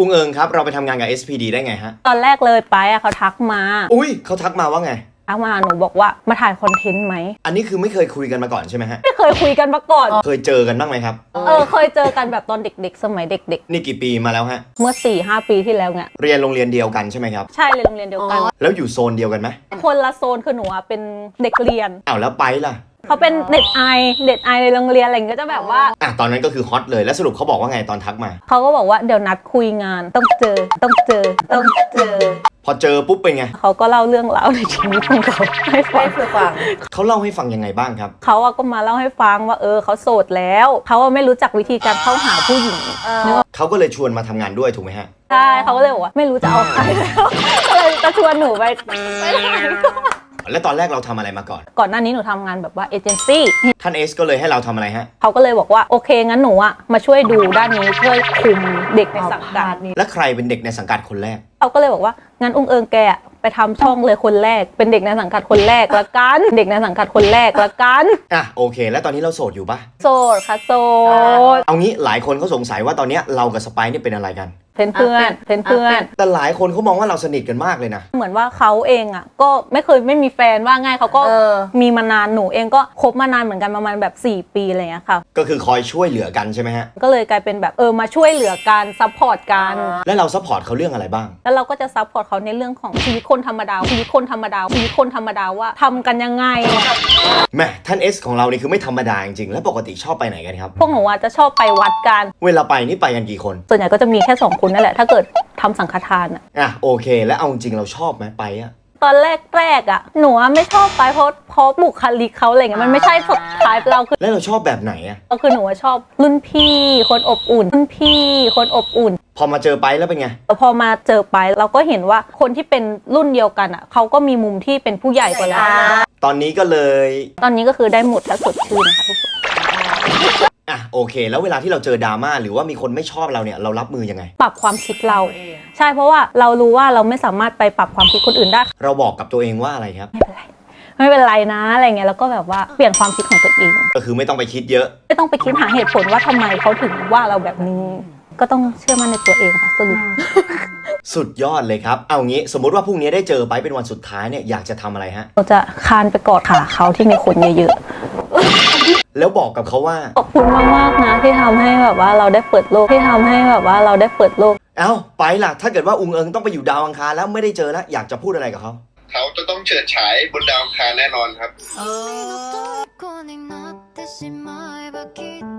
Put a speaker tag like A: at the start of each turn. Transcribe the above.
A: อุ้งเอิงครับเราไปทำงานกับ SPD ได้ไงฮะ
B: ตอนแรกเลยไปอะเขาทักมา
A: อุ้ยเขาทักมาว่าไง
B: ทักมาหนูบอกว่ามาถ่ายคอนเทนต์ไหม
A: อันนี้คือไม่เคยคุยกันมาก่อนใช่ไหมฮะ
B: ไม่เคยคุยกันมาก่อน
A: เคยเจอกันบ้างไหมครับ
B: เคยเจอกันแบบตอนเด็กๆสมัยเด็ก
A: ๆนี่กี่ปีมาแล้วฮะ
B: เมื่อ 4-5 ปีที่แล้วเนี่ย
A: เรียนโรงเรียนเดียวกันใช่ไหมครับ
B: ใช่เลยโรงเรียนเดียวกัน
A: แล้วอยู่โซนเดียวกันไหม
B: คนละโซนคือหนูเป็นเด็กเรียน
A: อ้าวแล้วไปล่ะ
B: เขาเป็นเด็กไอในโรงเรียนอะไรก็จะแบบว่า
A: ตอนนั้นก็คือฮอตเลยแล้วสรุปเขาบอกว่าไงตอนทักมา
B: เขาก็บอกว่าเดี๋ยวนัดคุยงานต้องเจอ
A: พอเจอปุ๊บเป็นไง
B: เขาก็เล่าเรื่องราวในชีวิตของเขาให้ฟัง
A: เขาเล่าให้ฟังยังไงบ้างครับ
B: เขาก็มาเล่าให้ฟังว่าเขาโสดแล้วเขาไม่รู้จักวิธีการเข้าหาผู้หญิง
A: เขาก็เลยชวนมาทำงานด้วยถูกไหมฮะ
B: ใช่เขาก็เลยบอกว่าไม่รู้จะเอาใครแล้วก็เลยจะชวนหนูไป
A: แล้วตอนแรกเราทำอะไรมา
B: ก่อนหน้านี้หนูทำงานแบบว่าเอเจนซี่
A: ท่านเอสก็เลยให้เราทำอะไรฮะ
B: เขาก็เลยบอกว่าโอเคงั้นหนูมาช่วยดูด้านนี้ช่วยคุมเด็กในสังกัดนี้
A: และใครเป็นเด็กในสังกัดคนแรก
B: เขาก็เลยบอกว่างั้นอุ้งเอิงแกไปทำช่องเลยคนแรกเป็นเด็กในสังกัดคนแรกละกันเด็กในสังกัดคนแรกละกัน
A: โอเคแล้วตอนนี้เราโสดอยู่ปะ
B: โสดค่ะโสด
A: เอางี้หลายคนเขาสงสัยว่าตอนนี้เรากับสไปซ์เนี่ยเป็นอะไรกัน
B: เพื่อน
A: แต่หลายคนเขามองว่าเราสนิทกันมากเลยนะ
B: เหมือนว่าเขาเองก็ไม่มีแฟนว่าง่ายเขาก็มีมานานหนูเองก็คบมานานเหมือนกันประมาณแบบ4 ปีอะไรเงี้ยค่ะ
A: ก็คือคอยช่วยเหลือกันใช่ไหมฮะ
B: ก็เลยกลายเป็นแบบมาช่วยเหลือกันซัพพอร์ตกัน
A: แล้วเราซัพพอร์ตเขาเรื่องอะไรบ้าง
B: แล้วเราก็จะซัพพอร์ตเขาในเรื่องของชีวิตคนธรรมดาว่าทำกันยังไง
A: แม่ท่านเอสของเรานี่คือไม่ธรรมดาจริงๆแล้วปกติชอบไปไหนกันครับ
B: พวกหนูจะชอบไปวัดกัน
A: เวลาไปนี่ไปกันกี่คน
B: ส่วนใหญ่ก็จะมีแค่2 คนนั่นแหละถ้าเกิดทำสังฆทาน
A: โอเคแล้วเอาจริงเราชอบไหมไป
B: ตอนแรกหนูไม่ชอบไปเพราะบุคลิกเขาอะไรเงี้ยมันไม่ใช่สดท้ายเราคือ
A: แล้วเราชอบแบบไหน
B: ก็คือหนูชอบรุ่นพี่คนอบอุ่น
A: พอมาเจอไปแล้วเป็นไง
B: พอมาเจอไปเราก็เห็นว่าคนที่เป็นรุ่นเดียวกันเขาก็มีมุมที่เป็นผู้ใหญ่กว่าเรา
A: ตอนนี้
B: ก็คือได้หมดถ้าสดชื่นนะคะทุกคน
A: โอเคแล้วเวลาที่เราเจอดราม่าหรือว่ามีคนไม่ชอบเราเนี่ยเรารับมือยังไง
B: ปรับความคิดเราใช่เพราะว่าเรารู้ว่าเราไม่สามารถไปปรับความคิดคนอื่นได้
A: เราบอกกับตัวเองว่าอะไรครับ
B: ไม่เป็นไรนะอะไรเงี้ยแล้วก็แบบว่าเปลี่ยนความคิดของตัวเอง
A: ก็คือไม่ต้องไปคิดเยอะ
B: ไม่ต้องไปคิดหาเหตุผลว่าทำไมเขาถึงว่าเราแบบนี้ก็ต้องเชื่อมั่นในตัวเองค่ะสรุป
A: สุดยอดเลยครับเอางี้สมมุติว่าพรุ่งนี้ได้เจอไปเป็นวันสุดท้ายเนี่ยอยากจะทำอะไรฮะ
B: เราจะคานไปกอดขาเขาที่มีคนเยอะ
A: ๆแล้วบอกกับเขาว่า
B: ขอบคุณมากๆนะที่ทำให้แบบว่าเราได้เปิดโลก
A: ไปล่ะถ้าเกิดว่าอุ้งเอิงต้องไปอยู่ดาวอังคารแล้วไม่ได้เจอแล้วอยากจะพูดอะไรกับเขา
C: จะต้องเฉิดฉายบนดาวอังคารแน่นอนครับ